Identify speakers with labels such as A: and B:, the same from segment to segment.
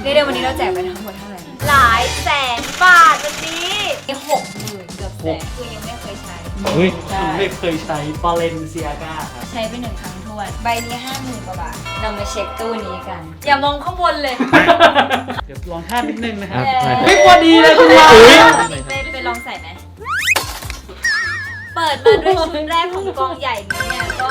A: เดี๋ยววันนี้เราแจกไปทั้งหมดเท่าไหร่หลายแสนบาทวันนี้60,000เกือบแสนคือยังไม่เคยใช้
B: เฮ้ยผมไม่เคยใช้บาเลนเซียกาครับ
A: ใช้ไป1 ครั้งทวนใบนี้50,000 กว่าบาทเรามาเช็คตู้นี้กัน อย่ามองข้างบนเลย
B: เดี๋ยวลองท่านิดนึงนะครับ
A: เย้
B: ไม่พอดีเลยคุณวาว
A: ไปลองใส่ไหมเปิดมาด้วยชุดแรกของกองใหญ่นี้เนี่ยก็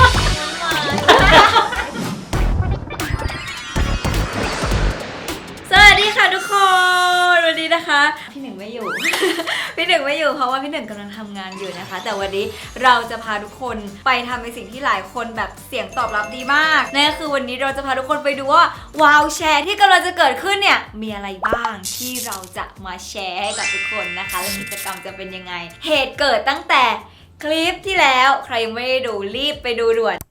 A: สวัสดีค่ะทุกคนวันนี้นะคะพี่หนึ่งไม่อยู่ พี่หนึ่งไม่อยู่เพราะว่าพี่หนึ่งกำลังทำงานอยู่นะคะแต่วันนี้เราจะพาทุกคนไปทำในสิ่งที่หลายคนแบบเสียงตอบรับดีมากนั่นก็คือวันนี้เราจะพาทุกคนไปดูว่าวาวแชร์ที่กำลังจะเกิดขึ้นเนี่ยมีอะไรบ้างที่เราจะมาแชร์ให้กับทุกคนนะคะและกิจกรรมจะเป็นยังไงเหตุเกิดตั้งแต่คลิปที่แล้วใครยังไม่ได้ดูรีบไปดูด่วน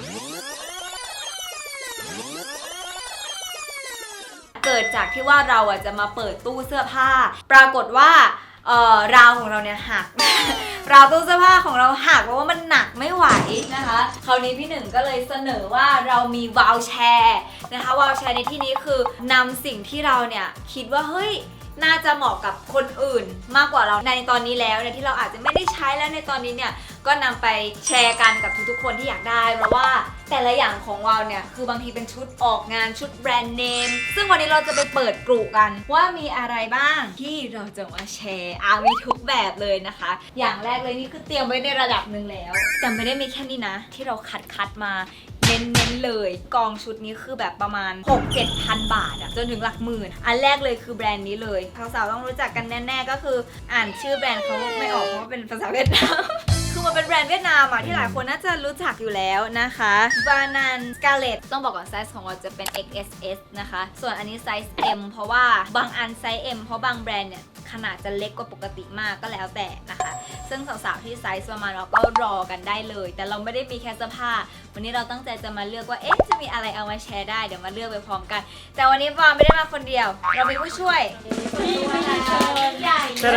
A: เกิดจากที่ว่าเราจะมาเปิดตู้เสื้อผ้าปรากฏว่าราวของเราเนี่ยหัก ราวตู้เสื้อผ้าของเราหักเพราะว่ามันหนักไม่ไหวนะคะคราวนี้พี่หนึ่งก็เลยเสนอว่าเรามีวาวแชร์นะคะวาวแชร์ในที่นี้คือนำสิ่งที่เราเนี่ยคิดว่าเฮ้ยน่าจะเหมาะกับคนอื่นมากกว่าเราในตอนนี้แล้วเนี่ยที่เราอาจจะไม่ได้ใช้แล้วในตอนนี้เนี่ยก็นำไปแชร์กันกับทุกๆคนที่อยากได้เพราะว่าแต่ละอย่างของวาวเนี่ยคือบางทีเป็นชุดออกงานชุดแบรนด์เนมซึ่งวันนี้เราจะไปเปิดกลุ่มกันว่ามีอะไรบ้างที่เราจะมาแชร์มีทุกแบบเลยนะคะอย่างแรกเลยนี่คือเตรียมไว้ในระดับหนึ่งแล้วแต่ไม่ได้มีแค่นี้นะที่เราคัดมาเน้นเลยกองชุดนี้คือแบบประมาณ 6-7 พันบาทอะจนถึงหลักหมื่นอันแรกเลยคือแบรนด์นี้เลยสาวๆต้องรู้จักกันแน่ๆก็คืออ่านชื่อแบรนด์เขาไม่ออกเพราะว่าเป็นภาษาเวียดนาม คือมันเป็นแบรนด์เวียดนามอะที่หลายคนน่าจะรู้จักอยู่แล้วนะคะบานันสกาเลตต้องบอกก่อนไซส์ของเราจะเป็น XSS นะคะส่วนอันนี้ไซส์ M เพราะว่าบางอันไซส์ M เพราะบางแบรนด์เนี่ยขนาดจะเล็กกว่าปกติมากก็แล้วแต่นะคะซึ่งสาวๆที่ไซส์ประมาณเราก็รอกันได้เลยแต่เราไม่ได้มีแค่เสื้อผ้าวันนี้เราตั้งใจจะมาเลือกว่าจะมีอะไรเอามาแชร์ได้เดี๋ยวมาเลือกไปพร้อมกันแต่วันนี้วาไม่ได้มาคนเดียวเรามีผู้ช่วยใหญ่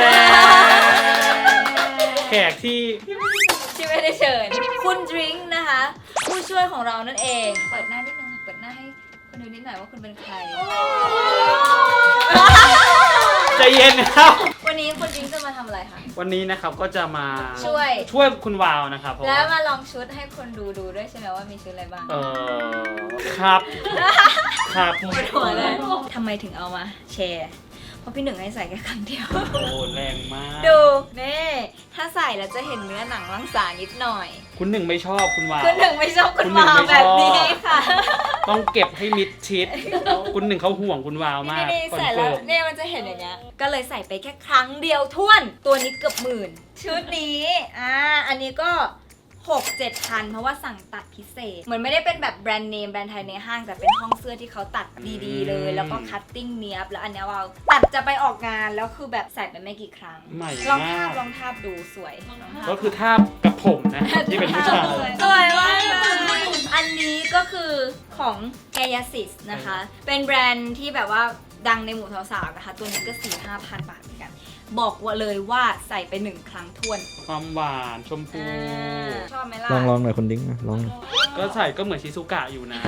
B: แขกที่
A: ไม่ได้เชิญคุณดริงค์นะคะผู้ช่วยของเรานั่นเองเปิดหน้านิดนึงเปิดหน้าให้คนดูนิดหน่อยว่าคุณเป็นใคร
B: ใจเย็นนะครับ
A: วันนี้คุณดริงค์จะมาทำอะไรคะ
B: วันนี้นะครับก็จะมา
A: ช่วย
B: คุณวาวนะครับผม
A: แล้วมาลองชุดให้คนดูด้วยใช่ไหมว่ามีชุดอะไรบ้าง
B: ครับครับ
A: ปวดหัวเลยทำไมถึงเอามาแชร์เพราะพี่หนึ่งให้ใส่แค่ครั้งเดียว
B: โอ้แรงมาก
A: ดูนี่ถ้าใส่แล้วจะเห็นเนื้อหนังมังสานิดหน่อย
B: คุณหนึ่งไม่ชอบคุณวาว
A: คุณหนึ่งไม่ชอบคุณ
B: คุณหนึ่
A: วาง ว
B: ไม่ชอบ
A: แบบนี้ค่ะ
B: ต้องเก็บให้มิดชิด คุณหนึ่งเขาห่วงคุณวาวมาก
A: นี่
B: คอน
A: ใส่
B: เฟิ
A: แล้ว
B: ร์ม
A: เนี่ยมันจะเห็นอย่างเงี้ยก็เลยใส่ไปแค่ครั้งเดียวท้วนตัวนี้เกือบหมื่นชุดนี้อันนี้ก็ 6-7 พันเพราะว่าสั่งตัดพิเศษเหมือนไม่ได้เป็นแบบแบรนด์เนมแบรนด์ไทยในห้างแต่เป็นห้องเสื้อที่เขาตัดดีๆเลยแล้วก็คัตติ้งเนี้ยบแล้วอันเนี้ยว่าตัดจะไปออกงานแล้วคือแบบใส่ไปไม่กี่ครั้ง
B: ใหม่
A: ลอง
B: มา
A: ลองทาบดูสวย
B: ก็คือทาบกับผมนะที่เป็นผู้ชาย
A: สวยมากเลยอันนี้ก็คือของ Gayasis นะคะ เป็นแบรนด์ที่แบบว่าดังในหมู่สาวๆนะคะ ตัวนี้ก็ 4-5 พันบาทเหมือนกัน บอกว่าเลยว่าใส่ไป1 ครั้งทวน
B: ความหวานชมพู
A: ชอบไหมล่ะ
C: ลองหน่อยคนดิ้งลอง
B: ก็ใส่ก็เหมือนชิซุกะอยู่นะ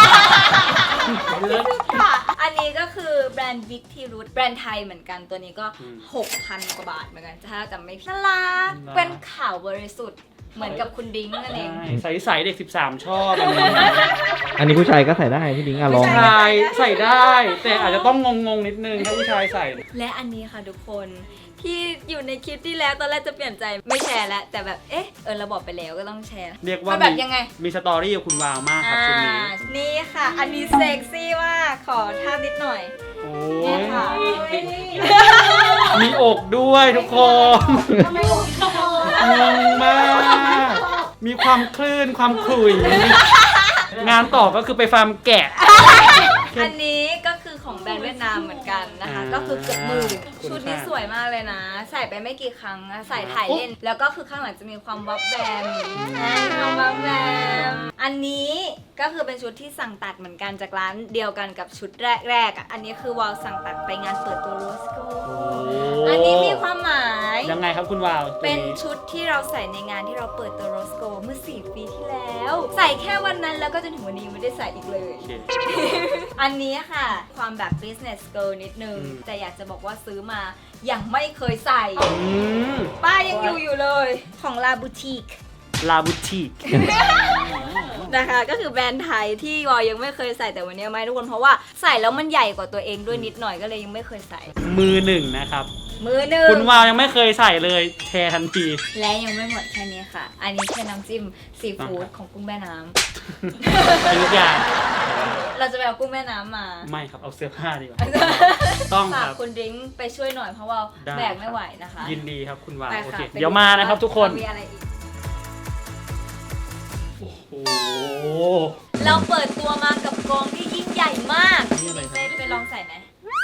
A: ค่ะอันนี้ก็คือแบรนด์ Big T Root แบรนด์ไทยเหมือนกันตัวนี้ก็ 6,000 กว่าบาทเหมือนกันถ้าจำไม่ผิดน่ารักเป็นขาวบริสุทธิ์เหมือนกับคุณดิ้งนั่นเอง
B: ใส่ใส่เด็ก 13 ชอบอันนี้
C: อันนี้ผู้ชายก็ใส่ได้พี่ดิ้งลอง
B: ผู้ชายใส่ได้ แต่อาจจะต้องงงๆนิดนึงถ้าผู้ชายใส่
A: และอันนี้ค่ะทุกคนที่อยู่ในคลิปที่แล้วตอนแรกจะเปลี่ยนใจไม่แชร์แล้วแต่แบบเราบอกไปแล้วก็ต้องแชร์
B: เรียกว่า
A: แบบยังไง
B: มีสตอรี่กับคุณวาวมากครับชุดนี้
A: นี่ค่ะ อันนี้เซ็กซี่มากขอท่านิดหน่อย
B: โอ้
A: นี่
B: ย
A: ค่ะ
B: มีอกด้วยทุกคนงงมาก มีความคลื่นความขลุ่ย งานต่อก็คือไปฟาร์มแกะ
A: อันนี้ก็คือของแบรนด์เวียดนามเหมือนกันนะคะ ก็คือเกือบหมื่นชุดนี้สวยมากเลยนะ ใส่ไปไม่กี่ครั้งนะใส่ถ่ายเล่น แล้วก็คือข้างหลังจะมีความวับแวมความวับแวมอันนี้ก็คือเป็นชุดที่สั่งตัดเหมือนกันจากร้านเดียวกันกับชุดแรกอันนี้คือวาวสั่งตัดไปงานเปิดตัวโรสโกอันนี้มีความหมาย
B: ยังไงครับคุณวาวตัว
A: เป็นชุดที่เราใส่ในงานที่เราเปิดตัวโรสโกเมื่อ4 ปีที่แล้ว ใส่แค่วันนั้นแล้วก็จนถึงวันนี้ไม่ได้ใส่อีกเลย
B: โอเค
A: อันนี้ค่ะความแบบ business girl นิดนึง แต่อยากจะบอกว่าซื้อมายังไม่เคยใส่ ป้ายยังอยู่เลยของ La Boutique
B: ลาบูติก
A: นะคะก็คือแบรนด์ไทยที่วอยังไม่เคยใส่แต่วันนี้มาให้ทุกคนเพราะว่าใส่แล้วมันใหญ่กว่าตัวเองด้วยนิดหน่อยก็เลยยังไม่เคยใส่
B: มือหนึ่งนะครับ
A: มือหนึ่ง
B: คุณวาวยังไม่เคยใส่เลยแชร์ทันที
A: และยังไม่หมดแค่นี้ค่ะ อันนี้แค่น้ำจิ้มซีฟู้ดของกุ้งแม่น้
B: เป็นทุกอย่าง
A: ำเราจะไปเอากุ้งแม่น้ำมา
B: ไม่ครับเอาเสื้อผ้าดีกว่า ต้อง
A: ฝา
B: ค
A: ก
B: รับ
A: คุณดริ้งไปช่วยหน่อยเพราะว่า
B: ได้
A: แบกไม่ไหวนะคะ
B: ยินดีครับคุณวาว
A: ไป
B: โอ
A: ค่ะ
B: เค
A: ไป
B: เดี๋ยวมานะครับทุกคน
A: มีอะไรอีก
B: โอ้โห
A: เราเปิดตัวมากับกองที่ยิ่งใหญ่มาก
B: นี่อะไร
A: ไปลองใส่ไหม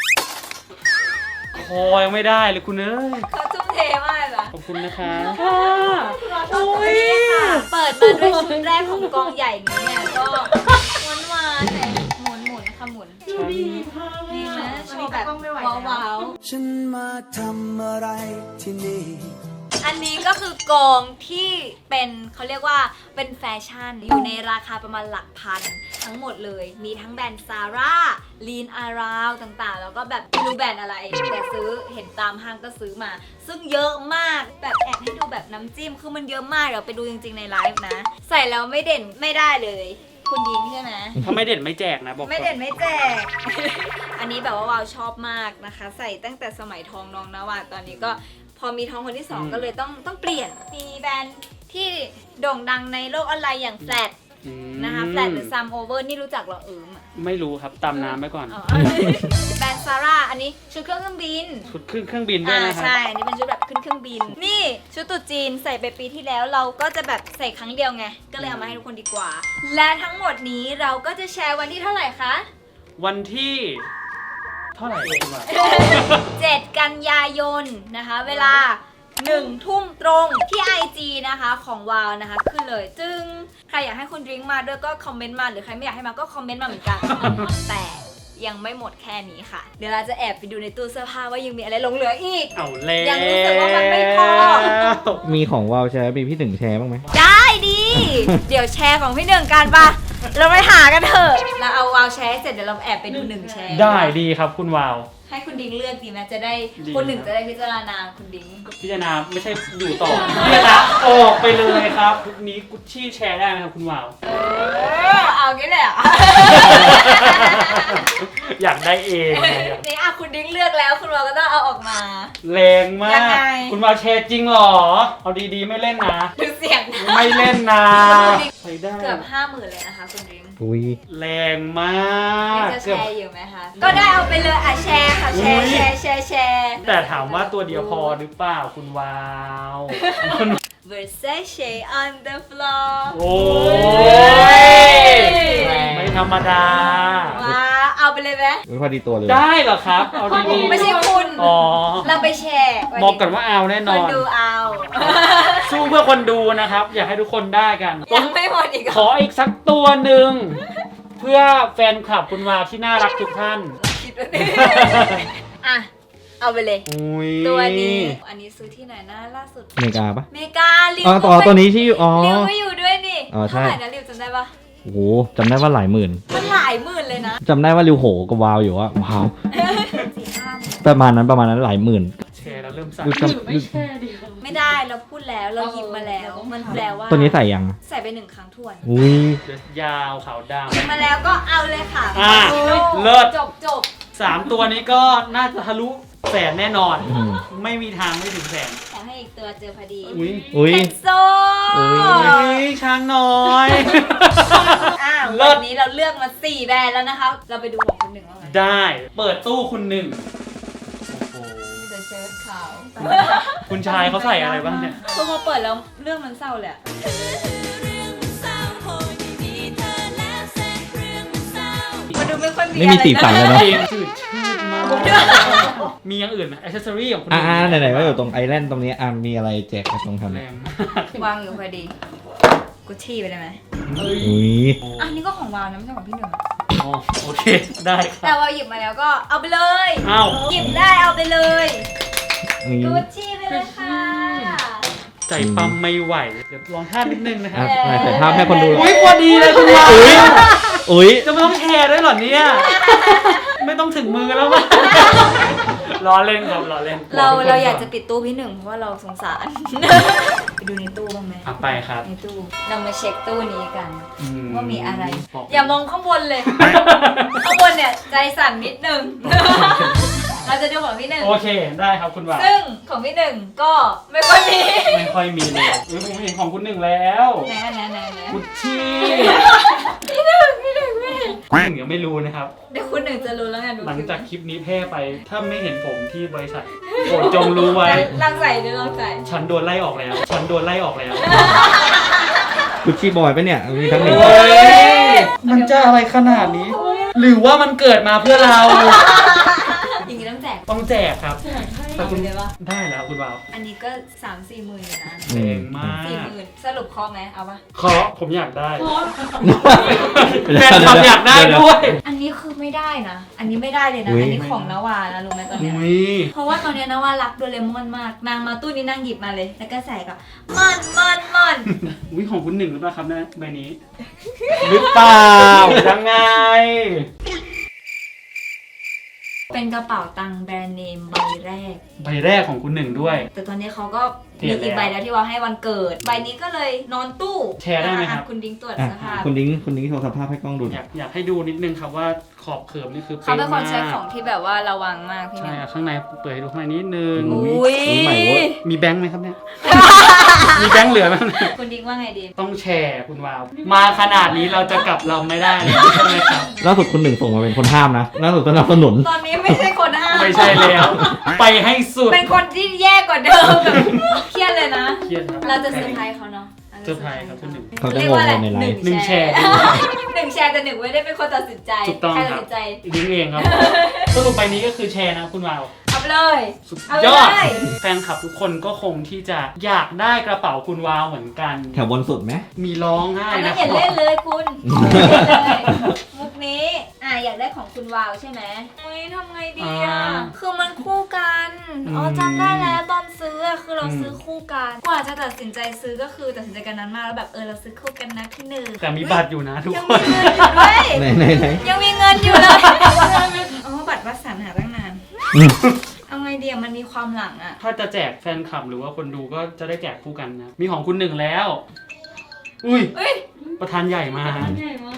B: คอยังไม่ได้เลยคุณเอ้ย
A: เขาทุ่มเทมากเลย
B: ขอบคุณนะคะ
A: โอ้ยเปิดมาด้วยชุดแรกของกองใหญ่นี้เนี่ยก็หวานๆแต่หมุนค่ะหมุนนี่นะโชว์แบบว้าว
D: ฉันมาทำอะไรที่นี่
A: ๆอันนี้ก็คือกองที่เป็นเขาเรียกว่าเป็นแฟชั่นอยู่ในราคาประมาณหลักพันทั้งหมดเลยมีทั้งแบรนด์ซาร่าลีนอาราวต่างๆแล้วก็แบบไม่รู้แบรนด์อะไรแต่ซื้อเห็นตามห้างก็ซื้อมา ซึ่งเยอะมากแบบแอบให้ดูแบบน้ำจิ้มคือมันเยอะมากเดี๋ยวไปดูจริงๆในไลฟ์นะ ใส่แล้วไม่เด่นไม่ได้เลย คุณยิงใช่ไหม
B: ถ้าไม่เด่นไม่แจกนะบอกก่อน
A: ไม่เด่นไม่แจก อันนี้แบบว่าวาวชอบมากนะคะ ใส่ตั้งแต่สมัยทองน้องนวาตอนนี้ก็พอมีทองคนที่สองก็เลยต้องเปลี่ยนมีแบรนด์ที่โด่งดังในโลกออนไลน์อย่างแฟลต
B: อืม
A: นะคะแฟลตหรือซัมโอเวอร์นี่รู้จักเหรอ
B: ไม่รู้ครับตามน้ำไปก่อน
A: อ๋อ แบรนด์ซาร่าอันนี้ชุดเครื่องบิน
B: ชุดเครื่องบินด้วยนะครับ
A: ใช่ อันนี้เป็นชุดแบบขึ้นเครื่องบิน นี่ชุดตรุ๊จีนใส่ไปปีที่แล้วเราก็จะแบบใส่ครั้งเดียวไง ก็เลยเอามาให้ทุกคนดีกว่า และทั้งหมดนี้เราก็จะแชร์วันที่เท่าไหร่คะ
B: วันที่เท่าไหร่คุณวาว
A: 7 กันยายนนะคะ เวลา 1 ทุ่มตรงที่ IG นะคะของวาวนะคะขึ้นเลยจึงใครอยากให้คุณดริงก์มาด้วยก็คอมเมนต์มาหรือใครไม่อยากให้มาก็คอมเมนต์มาเหมือนกัน แต่ยังไม่หมดแค่นี้ค่ะ เดี๋ยวเราจะแอบไปดูในตู้เสื้อผ้าว่ายังมีอะไรหลงเหลืออีก
B: เอาแล้ว
A: ยังรู้สึกว่ามันไม่พอ
C: มีของวาวแชร์มีพี่หนึ่งแชร์บ้างไหม
A: ได้ดี เดี๋ยวแชร์ของพี่หนึ่งกันปะเราไปหากันเถอะเราเอาวาวแชร์เสร็จเดี๋ยวเราแอบไปดูหนึ่งแชร์
B: ได้ดีครับคุณวาว
A: ให้คุณดิ้งเลือกดีไหมจะได้
B: ดี
A: คนหนึ่งจะได้พิจารณาคุณดิ้ง
B: พิจารณาไม่ใช่อยู่ต่อพิจารณาออกไปเลยครับทุกนี้กุชชี่แชร์ได้ไหมครับคุณวาว
A: เอางี้เลยอ่ะ
B: อยากได้เองไง
A: นี่อ่ะคุณดิ้งเลือกแล้วคุณวาวก็ต้องเอาออกมา
B: แรงมา
A: ยัง
B: ก
A: ไง
B: คุณวาวแชร์จริงเหรอ เอาดีๆไม่เล่นนะ
A: ดูเสียงนะ
B: ไม่เล่นนะไปได้
A: เกือบ 50,000เลยนะคะคุณดิ้ง
C: อุ้ย
B: แรงมา
A: นี่
B: ก
A: จะแชร์อยู่ไหมคะก็ได้เอาไปเลยอ่ะแชร์ค่ะแชร์แชร์
B: แต่ถามว่าตัวเดียวพอหรือเปล่าคุณวาว
A: Versace on the floor
B: โอ้ยไม่ธรรมดา
A: ว้าเอาไปเลยไหม
C: ไม่พอดีตัวเลย
B: ได้เหรอครับ เอาดีๆ
A: ไม่ใช่คุณ
B: อ๋อ
A: เราไปแชร์
B: บอกกันว่าเอาแน่น
A: ค
B: อน น
A: ดูเอา
B: สู้เพื่อคนดูนะครับ อยากให้ทุกคนได้กัน
A: ยังไม่หมดอีกเหร
B: ขออีกสักตัวหนึ่งเพื่อแฟนคลับคุณวาวที่น่ารักทุกท่าน
A: คิดว่าดิอ่ะ เอาไปเลย
B: อุ้ย
A: ตัวนี้ อันนี้ซื้อที่ไหนนะล่าสุด
C: อเมริกาปะ
A: เมกาลิว
C: อ๋อตัวนี้ที่อ๋อ
A: ลิวก็อยู่ด้วยนี่
C: อ๋อใช่
A: เท่าไหร่นะลิวจำได้ปะ
C: โอ้โหจำได้ว่าหลายหมื่น
A: มันหลายหมื่นเลยนะ
C: จำได้ว่าริวโหกับวาวอยู่ว่าว้าว
A: 4-5 หมื่น
C: ประมาณนั้นหลายหมื่น
B: แชร์แล้วเริ่มสั่น
C: ริวจำ
A: ไม่ได้เราพูดแล้วเราหยิบมาแล้ว มันแปลว่า
C: ตัวนี้ใส่ยัง
A: ใส่ไป1 ครั้งทวน
C: อุ้ย
B: เดี๋ยวยาวขาวด
A: หยิบมาแล้วก็เอาเลยค่ะ
B: อ่ะ
A: ดู
B: เลิศ
A: จบ
B: ำ3ตัวนี้ก็น่าจะทะลุแสนแน่นอน
C: อืม
B: ไม่มีทางไม่ถึงแสน
A: ขอให้อีกตัวเจอพอดี
B: อุ้ย
C: อุ้ย
A: เคนโซ
C: อุ๊ย
B: อุ้ยช้างน้อย
A: อ่ะ
B: เลิ
A: วั
B: ศ
A: นนี้เราเลือกมา4 แบรนด์แล้วนะคะ เราไปดูของคุณหนึ่งว่าไง
B: ได้เปิดตู้คุณหนึ่งโอ้โห
A: มีแต่เชิ้ตขาว
B: คุณชายเขาใส่อะไรบ้างเนี่ย
A: คือพอเปิดแล้วเรื่องมันเศร้าเลยอะมันดูไม่ค่อยมี
C: ไม่มีสีสันเลยเนอะ
B: เพลงจืดชืดมาก มีอย่างอื่นไหมอ c เซสซอรี่ของคุณห
C: อ่า
B: นึ่ง
C: ไหนๆว่าอยู่ตรงไอแลนด์ตรงนี้อ่ะมีอะไรแจกกันตรงทำ
B: แรงมาก
A: วางอยู่พอดีกุชชี่ไปได้ไหม
C: อุ้ย
A: อันนี้ก็ของวาวนะไม่ใช่ของพี่หนึ่งอะ
B: อ๋อโอเค ได้ค
A: แต่
B: รับ
A: วาวหยิบมาแล้วก็เอาไปเลย
B: อ้าว
A: หยิบได้เอาไปเลย
C: นี่
A: กุชชี่ไปเลยค่ะ
B: ใจปั๊มไม่ไหว เดี๋ยวลองท่านิดนึงนะค
C: อ่ะ
B: รับ
C: ถ่ายภาพให้คนดู
B: อุ้ยพอดีเลยคุณวาว
C: อุ้ย
B: จะไม่ต้องแชร์ด้วยเหรอเนี่ยไม่ต้องถึงมือแล้วมั้งล้อเล่นครับล้อเล่น
A: เราอยากจะปิดตู้พี่หนึ่งเพราะว่าเราสงสาร ไปดูในตู้บ้างไหม
B: อ่ะไปครับ
A: ในตู้เรามาเช็คตู้นี้กัน ว่ามีอะไร
B: บอก
A: อย่ามองข้างบนเลย ข้างบนเนี่ยใจสั่นนิดนึง เราจะดูของพี่หนึ่ง
B: โอเคได้ครับคุณวาว
A: ซึ่งของพี่หนึ่งก็ไม่ค่อยมี
B: ไม่ค่อยมีเลยผมเห็นของคุณหนึ่งแล้ว
A: ไหน
B: กุชชี่
A: พี่หนึ่ง
B: คุณหนึ่งยังไม่รู้นะครับ
A: เดี๋ยวคุณหนึ่งจะรู้แล้วไงดู
B: หลังจากคลิปนี้แพร่ไป ถ้าไม่เห็นผมที่บริษัทโปรดจงรู้ไว้
A: ลองใส่ดูลองใส่
B: ฉันโดนไล่ออกแล้ว ฉันโดนไล่ออกแล้ว
C: กุชชี่บอยปะเนี่ย มีทั้งหนึ่ง
B: เฮ้ยมันจะอะไรขนาดนี้ หรือว่ามันเกิดมาเพื่อเรา
A: อย่างนี้ต้องแจก
B: ต้องแจกครับ
A: แต่คุณเลยว่า
B: ได้แล้วคุณวาว
A: อันนี้ก็ 3-4 หมื่นอยู่นะ
B: เก่งมาก
A: 40,000สรุปคอไหมเอาปะ
B: ขอผมอยากได้แฟนคลับอยากได้ด้วย
A: อันนี้คือไม่ได้นะ อันนี้ไม่ได้เลยนะ
C: อุ๊ย
A: อันนี้ของนวานะรู้ไหมตอนเนี้ย
B: อุ้ย
A: เพราะว่าตอนเนี้ยนวารักโดเรมอนมาก นางมาตู้นี้นางหยิบมาเลย แล้วก็ใส่กับมัน
B: อุ้ยของคุณหนึ่งหรือเปล่าครับนะใบนี้ หรือเปล่ายังไง
A: เป็นกระเป๋าตังค์แบรนด์เนมใบแรก
B: ใบแรกของคุณหนึ่งด้วย
A: แต่ตอนนี้เขาก็
B: เปลี่
A: มี
B: ยนแล้ว
A: อีกใบแล้วที่ว่าให้วันเกิด ใบนี้ก็เลยนอนตู้
B: แชร์ได้ไหมครับ
A: อ่ะคุณดิ้งตรวจ
C: อ่ะ
A: สภาพ
C: คุณนิ้งโชว์สภาพให้กล้องดูหน่อย
B: อยากให้ดูนิดนึงครับว่าขอบเขิบนี่คือ
A: เขาเป็นคนใช้
B: ป๊ะมาก
A: ของที่แบบว่าระวังมากพี่
B: ใช่
A: เนี่ย
B: อ่ะข้างในเปิดให้ดูข้างในนิดนึง
A: อุ้ย
C: ใหม่เว้ย
B: มีแบงค์ไหมครับเนี่ย มีแบงค์เหลือไหม
A: คุณดิ้งว่าไงดี
B: ต้องแชร์คุณวาว มาขนาดนี้เราจะกลับเราไม่ได้เลยใช่ไหมครับ
C: ล่าสุดคุณหนึ่งส่งมาเป็นคนห้ามนะล่าสุดสนับสนุน
A: ตอนนี้ไม่ใช่คนห้าม
B: ไม่ใช่แล้ว ไปให้สุด
A: เป็นคนที่แย่กว่าเดิมแบบเครียดเลยนะ
B: เครียดครับ
A: เราจะเซอร์ไพรส์เขาเนาะ
B: เซอร์ไพรส์ครับคุณหนึ่ง
C: เขาจะ
A: เรีย
C: ง
A: กว่าง อะไร
C: ในไลฟ์
B: หนึ่งแชร์
A: หนึ่งแชร์แต่หนึ่งไม่ได้เป็นคนตัดสินใจ
B: ถูกต้อง
A: ใคร
B: ค
A: ตัด
B: รับ
A: สินใจ
B: ดิ้งเองครับ สรุปใบนี้ก็คือแชร์นะคุณวาว
A: เอาไปเลย
B: สุด
A: เอา
B: ยอด
A: เลย
B: แฟนคลับทุกคนก็คงที่จะอยากได้กระเป๋าคุณวาวเหมือนกัน
C: แถวบนสุดไหม
B: มีร้องไห้
A: อันนั้
B: นะ
A: นอย่าเล่นเลยคุณอย่าเล่นเลยมุกนี้อยากได้ของคุณวาวใช่ไหมอุ้ยทำไงดีคือมันคู่กันอ๋อจำได้แล้วตอนซื้อคือเราซื้อคู่กันกว่าจะตัดสินใจซื้อก็คือตัดสินใจกันนั้นมากแล้วแบบเราซื้อคู่กันนะพี่หนึ่ง
B: แต่มีบัตรอยู่นะทุก
A: ยัง
B: ค
A: มี
B: น
A: เงินอยู่ด้วย
C: ไหน
A: ยังมีเงินอยู่เลยอ๋อบัตรวัดสันหาตั้งนาน เอาไงดีมันมีความหลังอ่ะ
B: ถ้าจะแจกแฟนคลับหรือว่าคนดูก็จะได้แจกคู่กันนะ มีของคุณหนึ่งแล้ว อุ้ย
A: เอ้ย
B: ประธานใหญ่มา
A: ใหญ่มาก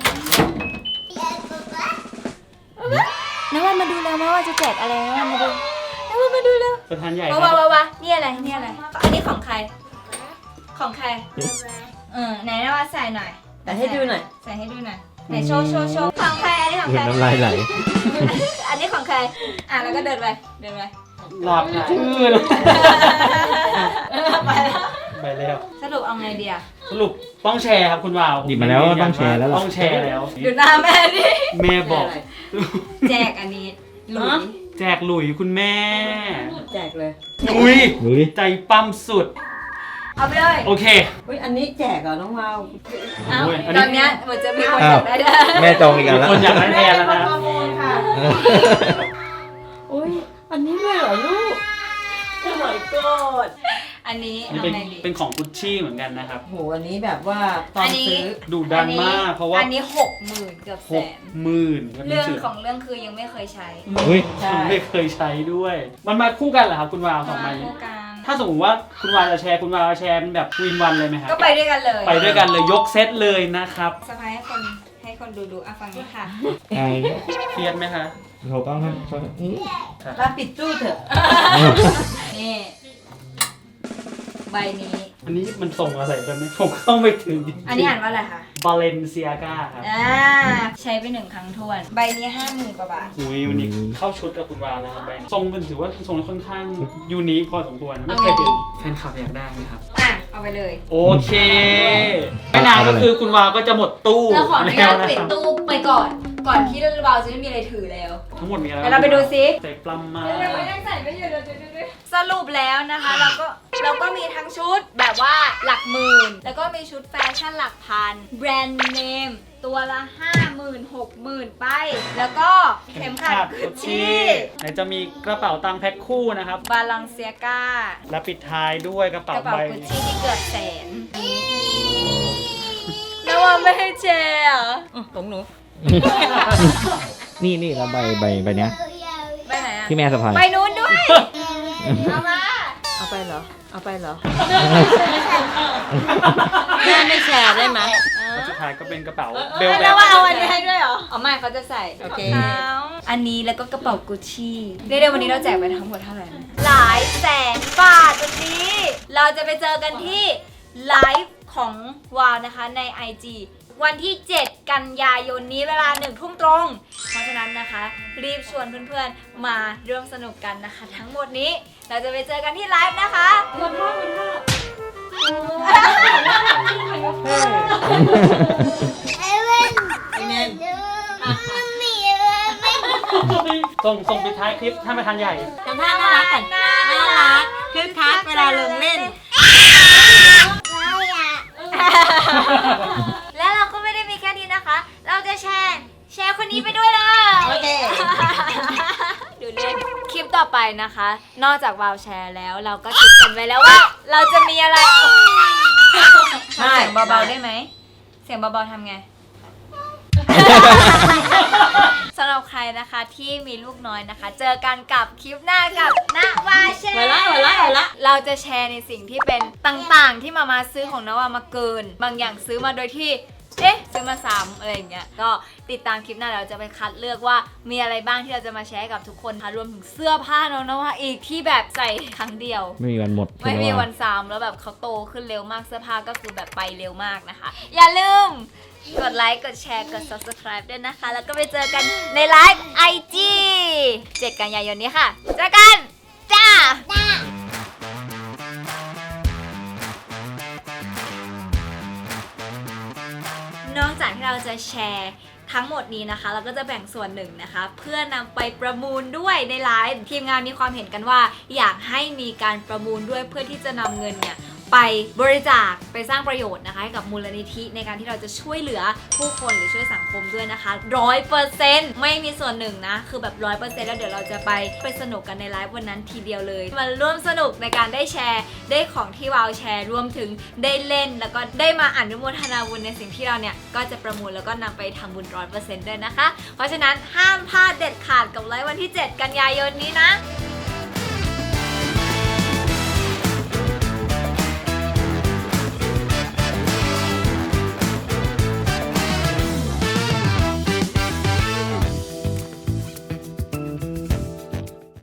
A: น้าวันมาดูแล้วนะว่าจะแจกอะไรน้าวันมาดูน้าวันมาดูแล้ว
B: ประธานใหญ่
A: ว้านี่อะไรนี่อะไร อันนี้ของใคร ของใครไหนน้าวันใส่หน่อย
E: แต่ให้ดูหน่อย
A: ใส่ให้ดูหน่อยไหนโชว์ของใครอันนี้ของ
C: เหมื
A: ใค
C: อน
A: ร
C: น้ำลายไหล
A: อันนี้ของใครแล้วก็เดินไป
B: หลอดชื่อเลย
A: ไปแล้ว
B: ไปแล้ว
A: สรุปเอาไงดีอะ
B: สรุปต้องแชร์ครับคุณวาว
C: หยิบมาแล้วก็ต้องแชร์แล้วล่ะ
B: ต้องแชร์แล้ว
A: ดูหน้าแม่ดิ
B: แม่บอก
A: แจกอันนี้หลุย
B: แจกหลุยคุณแม่
E: แจกเลย
B: อุ้ย
C: ดูดิ
B: ใจปั้มสุด
A: เอาไปเลย
B: โอเค
E: อุ้ยอันนี้แจกเหรอน้องวาว
A: เอา
B: โอ้ยอันนี้
A: ตอนเนี้ยเหมือนจะมีคนอยากได้ด้วย
C: แม่จองอีกแล้ว
B: คนอยากได้แทนแล้วนะ
E: อุ้ยอันนี้ด้วยเหรอลูกโอ้ my god
A: อันนี้
B: นี่
A: เอา
B: เป็น
A: ไงดี
B: เป็นของกุชชี่เหมือนกันนะครับ
E: โหอันนี้แบบว่าตอนซื้อ
B: ดูดันมากเพราะว่า
A: อันนี้60,000เกือบแสน
B: 60,000
A: เรื่องของเรื่องคือยังไม่เคยใช้
C: อุ้ย
E: ใช่
B: ไม่เคยใช้ด้วย มันมาคู่กันเหรอครับคุณวาวสองใบ
A: มา
B: นี้
A: คู่กัน
B: ถ้าสมมติว่าคุณวาวจะแชร์คุณวาวจะแชร์เป็นแบบวินวันเลยไหมครับ
A: ก็ไปด้วยกันเลย
B: ไปด้วยกันเลยยกเซตเลยนะครับ
A: สะพายให้คนดูฟังนี้ค่ะ
C: ไอ้
B: เครียดไหมคะ
C: เขาต้องให้เขา
E: มาปิดตู้เถอะ
A: นี่ใบนี้
B: อันนี้มันส่งอะไรกันเนี่ยผมเข้าไม่ถึง
A: อันนี้อ่านว่าอะไรคะ
B: บาเลนเซียกาครับ
A: ใช้ไป1 ครั้งทวน ใบนี้ 50,000 กว่าบาท
B: อุ้ยวันนี้เข้าชุดกับคุณวาวนะครับแบงค์ทรงเป็นถือว่าทรงค่อนข้างยูนิคพอสมควรไม่เคยเห็นแฟนคลับอยากได้ไหมครับ
A: เอาไปเลย
B: โอเคไม่นานก็คือคุณวาวก็จะหมดตู้
A: เราขออนุญาตปิด
B: ครับ
A: ตู้ไปก่อน ก่อนที่เราจะไม่มีอะไรถือแล้ว
B: ทั้งหมดมีอะไร
A: เดี๋ยวเราไปดูซิ
B: ใส่ปลัมมา
A: สรุปแล้วนะคะเราก็มีทั้งชุดแบบว่าหลักหมื่น แล้วก็มีชุดแฟชั่นหลักพัน แบรนด์เนมตัวละ 50,000 60,000 ไป แล้วก็เข็มขัดกุชชี่
B: ไหนจะมีกระเป๋าตังค์แพ็คคู่นะครับ
A: บาลังเซียกา
B: และปิดท้ายด้วยกระ
A: ก
B: เป๋า
A: ระเป๋า
B: ใบ
A: กุชชี่ที่เกือบแสนแล้วว่าไม่ให้แชร์เหรอ
E: ของหนู
C: นี่แล้วใบเนี้ย
A: ไปไหนอะ
C: ที่แม่สะพาย
A: ไปนู้นด้วย เอามา
E: เอาไปเหรอ เอาไปเหรอ แม่ไม่แชร์ได้ไหม
B: สุดท้ายก็เป็นกระเป๋าเบลแบ
A: แล้ว
B: บ
A: ว่าเอาอันนี้ให้ด้วยเหรอเอาไม่เขาจะใส่
E: โอเค
A: ของเขาอันนี้แล้วก็กระเป๋ากุชชี่เรียกได้วันนี้เราแจกไปทั้งหมดเท่าไหร่นะหลายแสนบาทวันนี้ เราจะไปเจอกันที่ไลฟ์ของวาวนะคะใน IG วันที่ 7 กันยายนนี้เวลา 1 ทุ่มตรง เพราะฉะนั้นนะคะ รีบชวนเพื่อนๆมาร่วมสนุกกันนะคะ ทั้งหมดนี้เราจะไปเจอกันที่ไลฟ์นะคะ
B: ส่งปิดท้ายคลิปท่านประธานใหญ่
E: ทำท่าน่ารักกันน่ารักคึกคักเวลาลงเล่น
A: และเราก็ไม่ได้มีแค่นี้นะคะ เราจะแชร์คนนี้ไปด้วยเลย
E: โอเค
A: ดูเล่นคลิปต่อไปนะคะ นอกจากวาวแชร์แล้วเราก็คิดกันไว้แล้วว่า เราจะมีอะไรทำเสียงเบาๆได้ไหม เสียงเบาๆทำไง สำหรับใครนะคะที่มีลูกน้อยนะคะ เจอกันกับคลิปหน้ากับนวาแชร์
E: ไว้ละ
A: เราจะแชร์ในสิ่งที่เป็นต่างๆ ที่มาซื้อของนวามาเกิน บางอย่างซื้อมาโดยที่ซื้อมาซ้ำอะไรอย่างเงี้ยก็ติดตามคลิปหน้าเราจะไปคัดเลือกว่ามีอะไรบ้างที่เราจะมาแชร์ให้กับทุกคนค่ะรวมถึงเสื้อผ้าน้องนวาอีกที่แบบใส่ครั้งเดียว
C: ไม่มีวันหมด
A: ไม่มีวันซ้ำแล้วแบบเขาโตขึ้นเร็วมากเสื้อผ้าก็คือแบบไปเร็วมากนะคะ อย่าลืมกดไลค์กดแชร์กด subscribe ด้วยนะคะ แล้วก็ไปเจอกันในไลฟ์ IG 7 กันยายนนี้ค่ะเจอกันจ้า นอกจากที่เราจะแชร์ทั้งหมดนี้นะคะ เราก็จะแบ่งส่วนหนึ่งนะคะ เพื่อนำไปประมูลด้วยในไลฟ์ทีมงานมีความเห็นกันว่า อยากให้มีการประมูลด้วยเพื่อที่จะนำเงินเนี่ยไปบริจาคไปสร้างประโยชน์นะคะให้กับมูลนิธิในการที่เราจะช่วยเหลือผู้คนหรือช่วยสังคมด้วยนะคะ 100% ไม่มีส่วนหนึ่งนะคือแบบ 100% แล้วเดี๋ยวเราจะไปสนุกกันในไลฟ์วันนั้นทีเดียวเลยมาร่วมสนุกในการได้แชร์ได้ของที่วาวแชร์รวมถึงได้เล่นแล้วก็ได้มาอนุโมทนาบุญในสิ่งที่เราเนี่ยก็จะประมูลแล้วก็นำไปทำบุญ 100% ด้วยนะคะเพราะฉะนั้นห้ามพลาดเด็ดขาดกับไลฟ์วันที่ 7 กันยายนนี้นะ